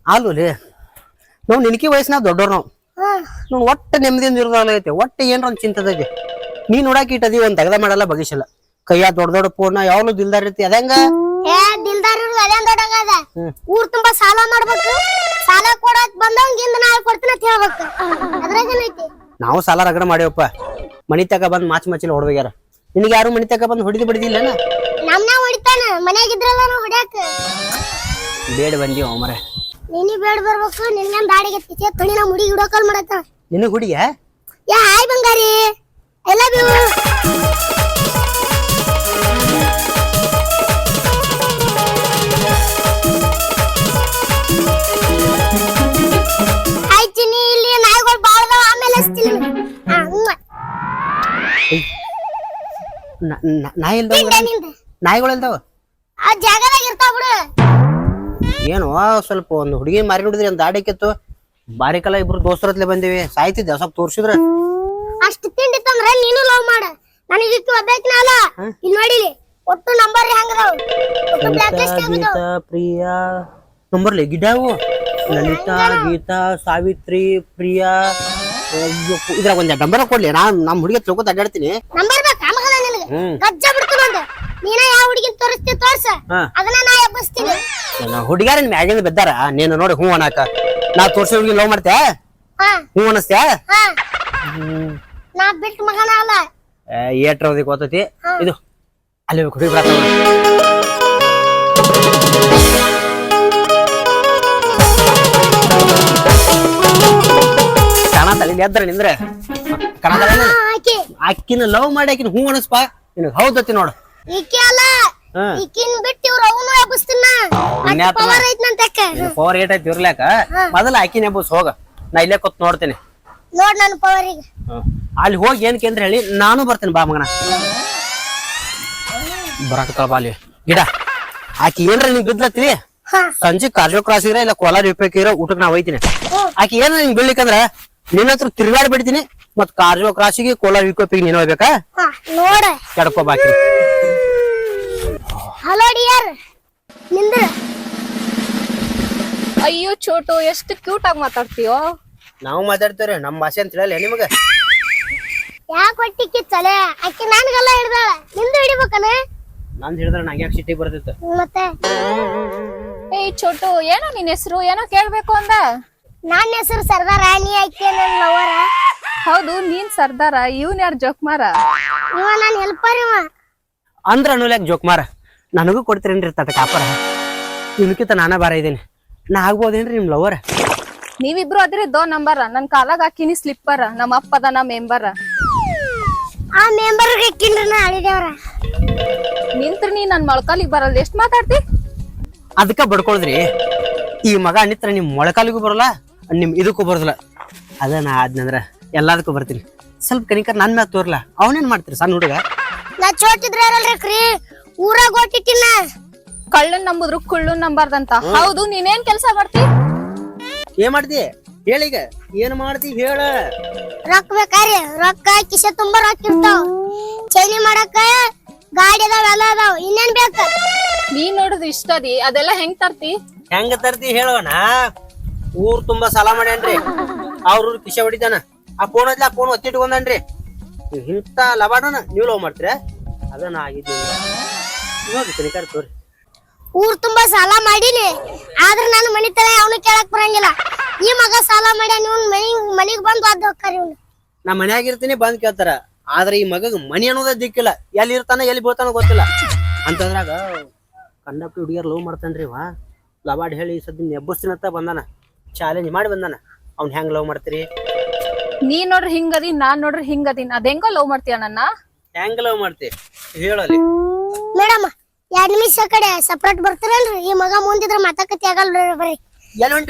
ಅಲ್ಲೋಲಿ ನಾವು ನಿನಕಿ ವಯಸ್ಸಿನಾಗ ದೊಡ್ಡವ್ರು ನಾವು ಒಟ್ಟು ನೆಮ್ಮದಿಯಿಂದ ಇರೋದಾಗೈತೆ ಒಟ್ಟು ಏನ್ರ ಒಂದು ಚಿಂತದೈತಿ ನೀ ನೋಡಾಕ ಇಟ್ಟದಿ ಒಂದ್ ತೆಗ್ದ ಮಾಡಲ್ಲ ಬಗಿಸಲ್ಲ ಕೈಯ ದೊಡ್ಡ ದೊಡ್ಡ ಪೂರ್ಣ ಯಾವಾಗ್ಲೂ ದಿಲ್ದಾರ್ ಇರ್ತಿ ಅದಂಗ ಊರ್ ತುಂಬಾ ಸಾಲ ಮಾಡ್ಬೇಕು ಸಾಲ ಕೊಡಕ್ ಬಂದವಂಗಿಂದ ನಾ ಕೊಡ್ತೀನಿ ಅಂತ ಹೇಳ್ಬೇಕು ಅದ್ರಾಗೇನೈತಿ ನಾವು ಸಾಲ ರಗಡ ಮಾಡ್ಯವಪ್ಪ ಮನಿ ತಕ ಬಂದ್ ಮಾಚಿಲ್ಲ ಹೊಡ್ದೋಗ್ಯಾರ ನಿನಗೆ ಯಾರು ಮನಿ ತಕ ಬಂದ್ ಹೊಡಿದು ಬಿಡಿದಿಲ್ಲ ನಮ್ನ ಹೊಡಿತಾನ ಮನ್ಯಾಗಿದ್ರಲ್ಲ ನಾವು ಹೊಡ್ಯಾಕ ಬೇಡ ಬಂದಿವ ಮರ ನೀನಿ ಬೇಡ ಬರ್ಬೇಕು ನಿನ್ನ ದಾಡಿಗೆ ತಿಚ್ಚೆ ತಣಿನ ಮುಡಿ ಹಿಡೋಕಲ್ ಮಾಡತ್ತ ನಿನಗ್ ಹುಡಿಯ ಯಾ ಹಾಯ್ ಬಂಗಾರಿ ಐ ಲವ್ ಯು ಆಯ್ತಿನಿ ಇಲ್ಲಿ ನಾಯಿಗಳು ಬಾಳ್ದಾವ ಆಮೇಲೆ ಹಚ್ತೀನಿ ನಾಯಿ ಇಲ್ದಾವ ನಾಯಿಗಳು ಇಲ್ದಾವ ಆ ಜಾಗದಾಗ ಇರ್ತಾವ ಬಿಡು ಏನು ಸ್ವಲ್ಪ ಒಂದು ಹುಡುಗಿ ಮಾರಿ ನೋಡಿದ್ರಿ ಒಂದ್ ದಾಡಿಕ್ಕಿತ್ತು ಬಾರಿಕಲ್ಲ ಇಬ್ರು ದೋಸ್ತರತ್ಲೆ ಬಂದಿವಿ ಸಾಯ್ತಿದ್ದೆ ಸ್ವಲ್ಪ ತೋರ್ಸಿದ್ರ ಅಷ್ಟು ತಿಂಡಿ ತಂದ್ರೆ ನೀನು ಲವ್ ಮಾಡ ನನಗೆ ಇಟ್ಟು ಒಬ್ಬಾಕಿನ ಅಲ್ಲ ಇಲ್ಲಿ ನೋಡಿಲಿ ಒಟ್ಟು ನಂಬರ್ ಹೆಂಗದಾವ ಒಟ್ಟು ಬ್ಲಾಕ್ ಲಿಸ್ಟ್ ಗೀತಾ ಪ್ರಿಯಾ ನಂಬರ್ಲಿ ಗಿಡಾವು ಲಲಿತಾ ಗೀತಾ ಸಾವಿತ್ರಿ ಪ್ರಿಯಾ ಇದ್ರಾಗ ಒಂದ್ ನಂಬರ್ ಕೊಡ್ಲಿ ನಮ್ ಹುಡುಗಿ ತಿಳ್ಕೊತ ಅಡ್ಡಾಡ್ತೀನಿ ನಂಬರ್ ಬೇಕಾ ಮಗನ ನಿನಗೆ ಗಜ್ಜ ಬಿಡ್ತೀನಿ ಒಂದು ನೀನ ಯಾವ ಹುಡುಗಿನ ತೋರಿಸ್ತಿ ತೋರ್ಸ ಅದನ್ನ ನಾ ಎಬ್ಬಿಸ್ತೀನಿ ಹುಡುಗ್ಯಾರ ಮ್ಯಾಗಿಂದ ಬಿದ್ದಾರ ನೀನು ನೋಡಿ ಹೂ ಅನ್ನಕ ನಾ ತೋರ್ಸಿ ಹುಡುಗಿ ಲವ್ ಮಾಡ್ತೇ ಹೂ ಅನ್ನಿಸ್ತ್ಯಾ ನಾ ಬಿಟ್ಟು ಮಗನ ಅಲ್ಲ ಏಟ್ರವದಿ ಗೊತ್ತೈತಿ ಇದು ಅಲ್ಲಿ ಹುಡುಗಿ ಬರತ್ತ ಕಾಣತಲ್ಲ ಎದ್ರ ನಿಂದ್ರೆ ಕಾಣತಲ್ಲ ಅಕ್ಕಿನ ಲವ್ ಮಾಡಿ ಆಕಿನ ಹೂ ಅನಸ್ಪ ನಿನಗ್ ಹೌದತಿ ನೋಡು ಈಕೆ ಅಲ್ಲ ಈಕಿನ್ ಬಿಟ್ಟು ಇವ್ರು ಅವನು ಎಬ್ಬಿಸ್ತೀನ ಪವರ್ ಐತ್ ನಂತಕ್ಕೆ ಪವರ್ ಏಟ್ ಐತಿ ಇರ್ಲಾಕ ಮೊದಲ ಆಕಿನ ಎಬ್ಬಸ್ ಹೋಗ ನಾ ಇಲ್ಲೇ ಕೂತ್ ನೋಡ್ತೇನೆ ನೋಡ್ ನನ್ನ ಪವರ್ ಈಗ ಅಲ್ಲಿ ಹೋಗಿ ಏನ್ ಕೇಂದ್ರ ಹೇಳಿ ನಾನು ಬರ್ತೇನೆ ಬಾ ಮಗನ ಬರಾಕತ್ತಳ ಬಾ ಅಲ್ಲಿ ಗಿಡ ಆಕಿ ಏನ್ರ ನಿಂಗ್ ಬಿದ್ಲತ್ತಿ ಸಂಜೆ ಕಾರ್ಜೋ ಕ್ರಾಸ್ ಇರ ಇಲ್ಲ ಕೋಲಾರ ಇರ ಊಟಕ್ಕೆ ನಾ ಒಯ್ತೀನಿ ಆಕಿ ಏನ ನಿಂಗ್ ಬೀಳ್ಲಿಕ್ಕಂದ್ರ ನಿನ್ನ ಹತ್ರ ತಿರ್ಗಾಡಿ ಬಿಡ್ತೀನಿ ಮತ್ ಕಾರ್ಜೋ ಕ್ರಾಸಿಗೆ ಕೋಲಾರ ವಿಕೋಪಿಗೆ ನೀನ್ ಹೋಗ್ಬೇಕಾ ನೋಡ ಕೆಡ್ಕೋ ಬಾಕಿ ಹಲೋ ಡಿಯರ್ ನಿಂದ್ರ ಅಯ್ಯೋ ಚೋಟು ಎಷ್ಟು ಕ್ಯೂಟ್ ಆಗಿ ಮಾತಾಡ್ತೀಯೋ ನಾವು ಮಾತಾಡ್ತೇವ್ರಿ ನಮ್ ಭಾಷೆ ಅಂತ ಹೇಳಲ್ಲ ನಿಮಗ ಯಾಕೆ ಹೊಟ್ಟಿ ಕಿಚ್ಚಲೆ ಅಕ್ಕಿ ನನ್ಗೆಲ್ಲ ಹಿಡ್ದಾಳ ನಿಂದು ಹಿಡಿಬೇಕನ ನಂದ್ ಹಿಡಿದ್ರೆ ನಂಗೆ ಯಾಕೆ ಸಿಟಿ ಬರ್ತಿತ್ತು ಮತ್ತೆ ಏಯ್ ಚೋಟು ಏನೋ ನಿನ್ ಹೆಸರು ಏನೋ ಕೇಳ್ಬೇಕು ಅಂದ ನನ್ನ ಹೆಸರು ಸರ್ದಾರ ನೀ ಅಕ್ಕಿ ನನ್ನ ಲವರ ಹೌದು ನೀನ್ ಸರ್ದಾರ ಇವ್ನ ಯಾರು ಜೋಕ್ಮಾರ ಇವ ನನ್ನ ಹೆಲ್ಪರ್ ಇವ ಅಂದ್ರ ಅನ್ನೋಲ್ಯಾಕ ಜೋಕ್ಮಾರ ನನಗೂ ಕೊಡ್ತೀರೇನ್ರಿ ತಟ ಕಾಪರ ನಿಮ್ಕಿಂತ ನಾನ ಬಾರ ಇದ್ದೀನಿ ನಾ ಆಗ್ಬೋದೇನ್ರಿ ನಿಮ್ ಲವರ್ ನೀವಿಬ್ರು ಅದ್ರಿ ದೋ ನಂಬರ ನನ್ ಕಾಲಾಗ ಹಾಕಿನಿ ಸ್ಲಿಪ್ಪರ್ ನಮ್ಮ ಅಪ್ಪ ಅದ ಮೆಂಬರ್ ಆ ಮೆಂಬರ್ ಅಕ್ಕಿನ್ರ ನಾ ಅಳಿದೇವ್ರ ನಿಂತ್ರ ನೀ ನನ್ ಮೊಳಕಾಲಿಗೆ ಬರಲ್ಲ ಎಷ್ಟ್ ಮಾತಾಡ್ತಿ ಅದಕ್ಕ ಬಡ್ಕೊಳ್ದ್ರಿ ಈ ಮಗ ನಿತ್ರ ನಿಮ್ ಮೊಳಕಾಲಿಗೂ ಬರಲ್ಲ ನಿಮ್ ಇದಕ್ಕೂ ಬರೋದಿಲ್ಲ ಅದ ನಾ ಆದ್ನಂದ್ರ ಎಲ್ಲದಕ್ಕೂ ಬರ್ತೀನಿ ಸ್ವಲ್ಪ ಕನಿಕರ್ ನನ್ ಮ್ಯಾಗ ತೋರ್ಲ ಅವನೇನ್ ಮಾಡ್ತೀರಿ ಸಣ್ಣ ಹುಡುಗ ನಾ ಚೋಟಿದ್ರ ಯಾರಲ್ರಿ ಊರಾಗ ಓಟಿಟ್ಟಿನ ಕಳ್ಳನ್ ನಂಬುದ್ರು ಕುಳ್ಳನ್ ನಂಬಾರ್ದಂತ ಹೌದು ನೀನೇನ್ ಕೆಲ್ಸ ಮಾಡ್ತಿ ಏನ್ ಮಾಡ್ತಿ ಹೇಳೀಗ ಏನ್ ಮಾಡ್ತಿ ಹೇಳ ರೊಕ್ಕ ಬೇಕಾರಿ ರೊಕ್ಕ ಕಿಸೆ ತುಂಬಾ ರೊಕ್ಕ ಇರ್ತಾವ ಚೈನಿ ಮಾಡಕ ಗಾಡಿ ಅದಾವ ಎಲ್ಲ ಅದಾವ ಇನ್ನೇನ್ ಬೇಕ ನೀನ್ ನೋಡಿದ್ರೆ ಇಷ್ಟ ಅದಿ ಅದೆಲ್ಲ ಹೆಂಗ್ ತರ್ತಿ ಹೆಂಗ ತರ್ತಿ ಹೇಳೋಣ ಊರ್ ತುಂಬಾ ಸಾಲ ಮಾಡ್ಯಾನ್ರಿ ಅವ್ರ ಕಿಶೆ ಹೊಡಿತಾನ ಆ ಫೋನ್ ಆ ಫೋನ್ ಒತ್ತಿಟ್ಕೊಂಡನ್ರಿ ಇಂತ ಲವಾಡನ ನೀವ್ ಲವ್ ಮಾಡ್ತೀರ ಅದನ್ನ ಆಗಿದ್ದೀವಿ ನೋಡ್ರಿ ಕನಿಕರ್ ತೋರಿ ಊರ್ ತುಂಬಾ ಸಾಲ ಮಾಡಿನಿ ಆದ್ರ ನಾನು ಮನಿ ತರ ಅವನು ಕೇಳಕ್ ಬರಂಗಿಲ್ಲ ಈ ಮಗ ಸಾಲ ಮಾಡ್ಯಾನ ಇವ್ನ ಮನಿಗ್ ಬಂದು ಅದ್ ಹೋಗ್ತಾರ ಇವ್ನು ನಾ ಮನ್ಯಾಗ ಇರ್ತೀನಿ ಬಂದ್ ಕೇಳ್ತಾರ ಆದ್ರೆ ಈ ಮಗಗ್ ಮನಿ ಅನ್ನೋದ ದಿಕ್ಕಿಲ್ಲ ಎಲ್ಲಿ ಇರ್ತಾನ ಎಲ್ಲಿ ಬೀಳ್ತಾನ ಗೊತ್ತಿಲ್ಲ ಅಂತಂದ್ರಾಗ ಕಂಡಪ್ಟಿ ಹುಡುಗಿಯರ್ ಲವ್ ಮಾಡ್ತಾನ್ರಿ ಇವ ಲವಾಡ್ ಹೇಳಿ ಸದ್ಯ ಎಬ್ಬಸ್ತೀನಂತ ಬಂದಾನ ಚಾಲೆಂಜ್ ಮಾಡಿ ಬಂದಾನ ಅವ್ನ್ ಹೆಂಗ್ ಲವ್ ಮಾಡ್ತೀರಿ ನೀ ನೋಡ್ರಿ ಹಿಂಗದಿ ನಾನ್ ನೋಡ್ರಿ ಹಿಂಗದಿನ್ ಅದೇಂಗೋ ಲವ್ ಮಾಡ್ತೀಯ ನನ್ನ ಹೆಂಗ್ ಲವ್ ಮಾಡ್ತಿ ಹೇಳಲಿ ಮೇಡಮ್ 2 ನಿಮಿಷ ಕಡೆ ಸಪರೇಟ್ ಬರ್ತಾರಲ್ರಿ ಈ ಮಗ ಮುಂದಿದ್ರ ಮಾತಾಕತಿ ಆಗಲ್ಲ ಬರ್ರಿ ಎಲ್ಲಿ ಉಂಟು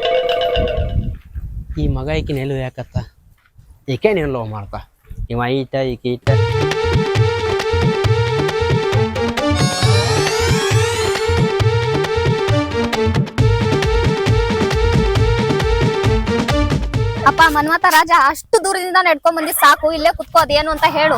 ಈ ಮಗ ಈಕಿನ ಎಲ್ಲಿ ಯಾಕತ್ತ ಈಕೆ ನೀನು ಲವ್ ಮಾಡ್ಕ ಇವ ಈಟ ಈಕೆ ಈಟ ಅಪ್ಪ ಮನ್ಮತ ರಾಜ ಅಷ್ಟು ದೂರದಿಂದ ನಡ್ಕೊಂಡ್ ಬಂದಿ ಸಾಕು ಇಲ್ಲೇ ಕುತ್ಕೋ ಅದೇನು ಅಂತ ಹೇಳು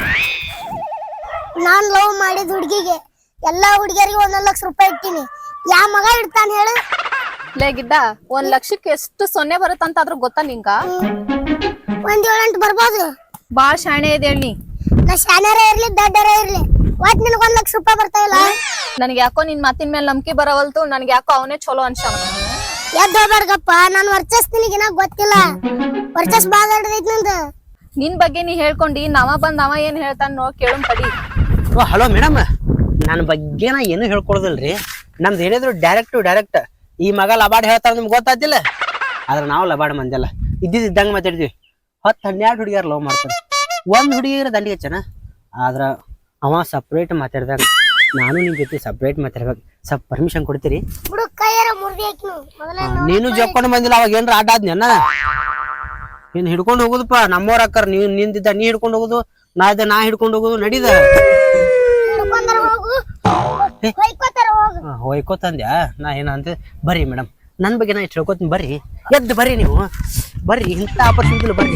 ನಾನ್ ಲವ್ ಮಾಡಿದ ಹುಡ್ಗಿಗೆ ಎಲ್ಲಾ ಹುಡುಗಿಯರಿಗೆ 1 ಲಕ್ಷ ರೂಪಾಯಿ ಇಟ್ಟಿನಿ ಯಾ ಮಗ ಇಡ್ತಾನ ಹೇಳು ಲೇ ಗಿಡ್ಡ 1 ಲಕ್ಷಕ್ಕೆ ಎಷ್ಟು ಸೊನ್ನೆ ಬರುತ್ತಂತ ಆದ್ರೂ ಗೊತ್ತಾ ನಿಂಗ? ಒಂದ್ 7-8 ಬರ್ಬೋದು. ಬಾಳ್ ಶಾಣೆ ಇದೆ ಹೇಳಿ. ನಾ ಶಾನ್ಯಾರ ಇರ್ಲಿ ದಡ್ಡರ ಇರ್ಲಿ ಒಟ್ ನಿನಗ್ 1 ಲಕ್ಷ ರೂಪಾಯಿ ಬರ್ತಾಯಿಲ್ಲ. ನನಗೆ ಯಾಕೋ ನಿನ್ ಮಾತಿನ ಮೇಲೆ ನಂಬಿಕೆ ಬರವಲ್ತು. ನನಗೆ ಯಾಕೋ ಅವನೇ ಚಲೋ ಅನ್ಸಾವ. ಎದ್ದು ಹೋಗ್ಬೇಡ್ಗಪ್ಪ, ನಾನ್ ವರ್ಚಸ್ ನಿನಗಿನ ಗೊತ್ತಿಲ್ಲ. ವರ್ಚಸ್ ಬಾಳ ದೊಡ್ಡದೈತಿ ನಂದು. ನಿನ್ ಬಗ್ಗೆ ನೀ ಹೇಳ್ಕೊಂಡಿ ನಾವ ಬಂದ್ ಅವ ಏನ್ ಹೇಳ್ತಾನ ನೋ ಕೇಳು ತಡಿ. ಓ ಹಲೋ ಮೇಡಮ್, ನನ್ನ ಬಗ್ಗೆ ನಾ ಏನು ಹೇಳ್ಕೊಡೋದಿಲ್ರಿ. ನಮ್ದು ಏನಿದ್ರು ಡೈರೆಕ್ಟ್ ಈ ಮಗ ಲಬಾಡ್ ಹೇಳ್ತಾರ ನಿಮ್ಗೆ ಗೊತ್ತಾತಿಲ್ಲ. ಆದ್ರೆ ನಾವು ಲಬಾಡ್ ಮಂದಿಲ್ಲ, ಇದ್ದಂಗೆ ಮಾತಾಡ್ತೀವಿ. 10-12 ಹುಡುಗಿಯರು ಲವ್ ಮಾಡ್ತಾರೆ. ಒಂದು ಹುಡುಗಿಯರ ದಂಡಿಗೆ ಚೆನ್ನ. ಆದ್ರೆ ಅವ ಸಪ್ರೇಟ್ ಮಾತಾಡ್ದಾಗ ನಾನು ನಿಮ್ ಜೊತೆ ಸಪ್ರೇಟ್ ಮಾತಾಡ್ಬೇಕು. ಸ್ವಲ್ಪ ಪರ್ಮಿಷನ್ ಕೊಡ್ತೀರಿ? ಬಿಡು ಕೈಯಾರ ಮುರ್ದಿ ಹಾಕಿ ಮೊದಲೇ ನೀನು ಜೊಕ್ಕೊಂಡು ಬಂದಿಲ್ಲ, ಅವಾಗ ಏನ್ರ ಆಟ ಆದ್ನ ನೀನ್ ಹಿಡ್ಕೊಂಡು ಹೋಗುದಪ್ಪ. ನಮ್ಮವ್ರ ಅಕ್ಕರ್ ನೀವ್ ನಿಂದಿದ್ದ ನೀ ಹಿಡ್ಕೊಂಡು ಹೋಗುದು, ನಾ ಹಿಡ್ಕೊಂಡು ಹೋಗುದು ನಡೀದ. ಹಿಡ್ಕೊಂಡಾರ ಹೋಗು, ಹೊಯ್ಕೋತಾರ ಹೋಗು. ಹೊಯ್ಕೋತಂದ್ಯಾ? ನಾ ಏನಂತ ಬರ್ರಿ ಮೇಡಮ್, ನನ್ ಬಗ್ಗೆ ನಾ ಇಷ್ಟು ಹೇಳ್ಕೊತೀನಿ. ಬರ್ರಿ, ಎದ್ದು ಬರ್ರಿ, ನೀವು ಬರ್ರಿ, ಇಂಥ ಆಪರ್ಚುನಿಟಿ ಬರ್ರಿ.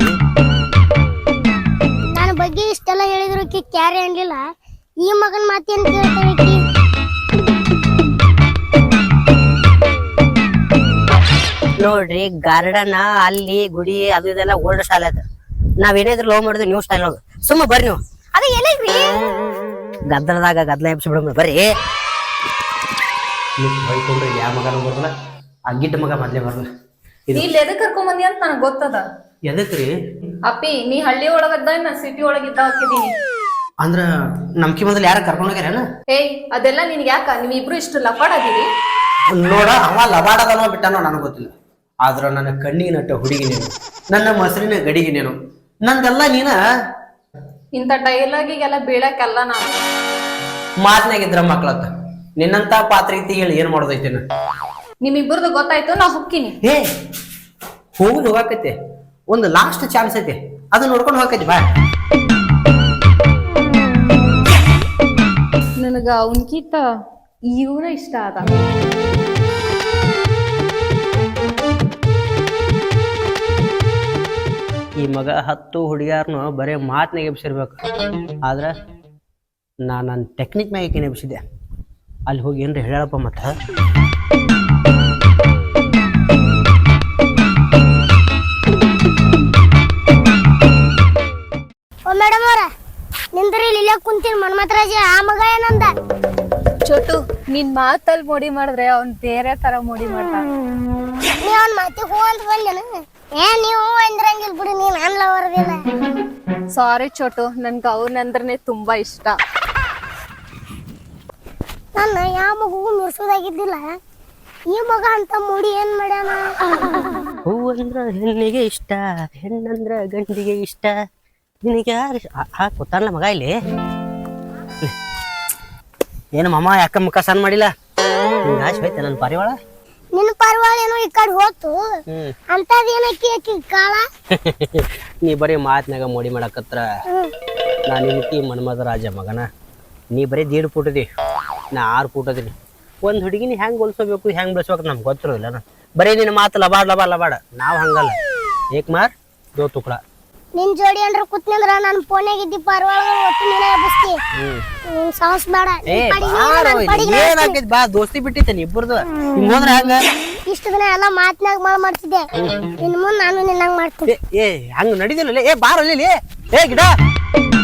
ನನ್ನ ಬಗ್ಗೆ ಇಷ್ಟೆಲ್ಲ ಹೇಳಿದ್ರು ಕ್ಯಾರೆ ಅನ್ಲಿಲ್ಲ. ಈ ಮಗನ್ ಮಾತೇನ್ ಕೇಳ್ತಾಳೆ? ನೋಡ್ರಿ, ಗಾರ್ಡನ್ ಅಲ್ಲಿ ಗುಡಿ ಅದು ಇದೆಲ್ಲ ಓಲ್ಡ್ ಸ್ಟೈಲ್ ಅದ. ನಾವೇನೇದ್ರು ಲವ್ ಮಾಡಿದ್ವಿ ನ್ಯೂ ಸ್ಟೈಲ್ ಹೋಗ. ಸುಮ್ಮ ಬರ್ರಿ ನೀವು. ಅದ ಎಲ್ಲಿಗ್ರಿ? ಗದ್ದಲದಾಗ ಗದ್ದಲ ಎಬ್ಸಿ ಬಿಡಮ್ರಿ. ಬರ್ರಿ. ಹೊಯ್ಕೊಂಡ್ರಿ ಯಾವ ಮಗನ ಬರಲ್ಲ, ಆ ಗಿಡ್ಡ ಮಗ ಮೊದ್ಲೇ ಬರಲ್ಲ. ನೀ ಎದಕ್ ಕರ್ಕೊಂಡ್ ಬಂದಿ ಅಂತ ನನಗ್ ಗೊತ್ತದ. ಎದಕ್ರಿ? ಅಪ್ಪಿ ನೀ ಹಳ್ಳಿ ಒಳಗದ್ದ ನಾ ಸಿಟಿ ಒಳಗಿದ್ದ ಹಾಕಿದೀನಿ. ಅಂದ್ರ ನಮ್ಕಿ ಮೊದಲು ಯಾರ ಕರ್ಕೊಂಡು ಹೋಗ್ಯಾರೇನ? ಏಯ್ ಅದೆಲ್ಲ ನಿನ್ಗೆ ಯಾಕ? ನೀವಿಬ್ರು ಇಷ್ಟು ಲಪಾಡಾದಿರಿ. ನೋಡ, ಅವ ಲಬಾಡದನೋ ಬಿಟ್ಟನೋ ನನಗೆ ಗೊತ್ತಿಲ್ಲ. ಆದ್ರ ನನ್ನ ಕಣ್ಣಿಗೆ ನಟ್ಟ ಹುಡುಗಿ ನೀನು, ನನ್ನ ಮೊಸರಿನ ಗಡಿಗೆ ನೀನು, ನಂದೆಲ್ಲ ನೀನ. ಇಂಥ ಡೈಲಾಗಿಗೆಲ್ಲ ಬೀಳಕ್ಕೆಲ್ಲ ನಾನು ಮಾತನಾಗಿದ್ರ ಮಕ್ಳತ್ತ. ನಿನ್ನಂತ ಪಾತ್ರ ಐತಿ ಹೇಳಿ ಏನ್ ಮಾಡೋದೈತಿ? ನಿಮ್ಮಿಬ್ಬರದು ಗೊತ್ತಾಯ್ತು, ನಾ ಹೊಕ್ಕಿನಿ. ಏ ಹೋಗುದು ಹೋಗಾಕೈತಿ, ಒಂದು ಲಾಸ್ಟ್ ಚಾನ್ಸ್ ಐತಿ, ಅದು ನೋಡ್ಕೊಂಡು ಹೋಗಕೈತಿ. ಬಾ. ನನಗ ಅವನ್ಕಿಂತ ಇವನ ಇಷ್ಟ ಅದ. ಈ ಮಗ 10 ಹುಡುಗಿಯಾರನು ಬರೇ ಮಾತನಾಗ ಎಬ್ಸಿರ್ಬೇಕು. ಆದ್ರ ನನ್ನ ಟೆಕ್ನಿಕ್ ಮ್ಯಾಗ ಎಬ್ಸಿದ್ದೆ. ಅಲ್ಲಿ ಹೋಗಿ ಏನ್ರಿ ಹೇಳಪ್ಪ ಮತ್ತ. ಓ ಮೇಡಮ್ ಅವ್ರ, ನಿಂದ್ರಿ ಇಲ್ಲೇ ಕುಂತೀನಿ. ಮನ್ಮಥರಾಜ ಆ ಮಗ ಏನಂದ? ಚೋಟು, ನಿನ್ ಮಾತಲ್ಲಿ ಮೋಡಿ ಮಾಡಿದ್ರೆ ಅವ್ನ್ ಬೇರೆ ತರ ಮೋಡಿ ಮಾಡ್ತಾನ. ನೀ ಅವ್ನ ಮಾತಿ ಹೂ ಅಂತ ಬಂದೇನ? ನೀವು ಅಂದ್ರಂಗಿಲ್ ಬಿಡಿ, ನೀನ್ ಅನ್ಲ ಹೊರದಿಲ್ಲ. ಸಾರಿ ಚೋಟು, ನನ್ಗ ಅವನಂದ್ರೆ ತುಂಬಾ ಇಷ್ಟ. ನನ್ನ ಯಾವ ಮಗುಗೂ ಮಿರ್ಸೋದಾಗಿದ್ದಿಲ್ಲ. ಈ ಮಗ ಅಂತ ಮೂಡಿ ಏನ್ ಮಾಡ್ಯಾನ? ಹೂವಂದ್ರ ಹೆಣ್ಣಿಗೆ ಇಷ್ಟ, ಹೆಣ್ಣಂದ್ರ ಗಂಡಿಗೆ ಇಷ್ಟ. ನಿನಗೆ ಯಾರು ಗೊತ್ತಾಗಲ್ಲ ಮಗ ಇಲ್ಲಿ? ಏನು ಮಾಮ ಯಾಕ ಮುಖ ಸಣ್ಣ ಮಾಡಿಲ್ಲ? ಆಶೆ ಹೋಯ್ತ ನನ್ನ ಪಾರಿವಾಳ. ನಿನ್ನ ಪರವಾಳ ಏನೋ ಈ ಕಡೆ ಹೋತು, ಅಂತದೇನಕ್ಕಿ ಆಕಿ ಕಾಳ. ನೀ ಬರೀ ಮಾತನಾಗ ಮೋಡಿ ಮಾಡಕತ್ರ. ನಾ ನಿನ್ಕಿ ಮನ್ಮಥರಾಜ ಮಗನ. ನೀ ಬರೀ 1.5 ಫೂಟ್ ಅದಿ, ನಾ 6 ಫೂಟ್ ಅದೀನಿ. ಒಂದು ಹುಡುಗಿನ ಹೆಂಗ್ ಹೊಲ್ಸೋಬೇಕು, ಹೆಂಗ್ ಬೆಳೆಸ್ಬೇಕು ನಮ್ಗೆ ಗೊತ್ತಿರೋದಿಲ್ಲ. ಬರೀ ನಿನ್ನ ಮಾತು ಲಬಾಡ. ನಾವು ಹಂಗಲ್ಲ. ಏಕ್ ಮಾರ್ 2 ತುಕಡ. ನಿನ್ ಜೋಡಿ ಅಂದ್ರ ಕೂತ್ನಿಂದ್ರ ನನ್ ಫೋನ್ಯಾಗ ಇದ್ದಿ ಪರವಾಳ ಒಟ್ಟು ನೀನೇ ಎಬ್ಬಿಸ್ತಿ. ನೀನ್ ಸಾಹಸ ಬೇಡ. ಏನಾಕೈತಿ ಬಾ, ದೋಸ್ತಿ ಬಿಟ್ಟಿತ್ತೇನೆ ಇಬ್ಬರದು. ಹಿಂಗ್ ಹೋದ್ರ ಹಂಗ ಇಷ್ಟು ದಿನ ಎಲ್ಲ ಮಾತನಾಗ ಮಾಡ್ತಿದ್ದೆ. ಇನ್ ಮುಂದ್ ನಾನು ನಿನ್ನಂಗ್ ಮಾಡ್ತೀನಿ. ಹಂಗ ನಡಿದಿಲ್ಲ. ಬಾರಲ್ಲಿ ಗಿಡ